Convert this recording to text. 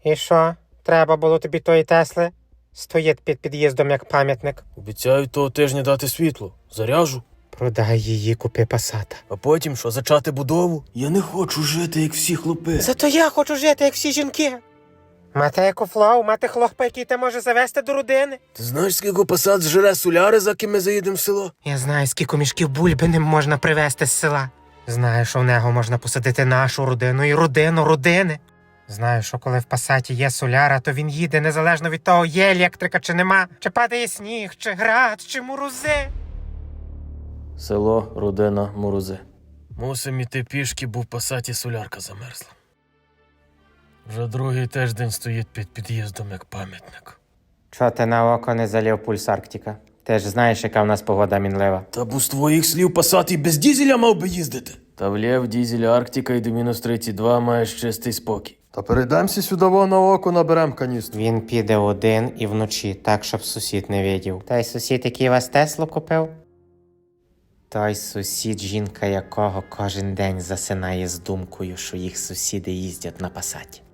І що? Треба було тобі тої Тесли? Стоїть під під'їздом як пам'ятник. Обіцяю того тижня дати світло. Заряжу. Продай її, купи Пасата. А потім що, зачати будову? Я не хочу жити, як всі хлопи. Зато я хочу жити, як всі жінки. Мати екофлоу, мати хлопа, який ти може завести до родини. Ти знаєш, скільки посад зжере соляри, за ким ми заїдемо в село? Я знаю, скільки мішків бульби ним можна привезти з села. Знаю, що в нього можна посадити нашу родину і родину родини. Знаю, що коли в Пасаті є соляра, то він їде незалежно від того, є електрика чи нема, чи падає сніг, чи град, чи морози. Село, родина, морози. Мусим іти пішки, бо в Пасаті солярка замерзла. Вже другий тиждень стоїть під під'їздом як пам'ятник. Чого ти на око не залив пульс Арктика? Ти ж знаєш, яка в нас погода мінлива. Та бо з твоїх слів Пасат і без дізеля мав би їздити. Та влєв дізеля Арктика і до мінус 32 маєш чистий спокій. Та перейдемося сюди на око, наберем каністру. Він піде один і вночі, так, щоб сусід не видів. Той сусід, який вас Теслу купив? Той сусід, жінка якого кожен день засинає з думкою, що їх сусіди їздять на Пасаті.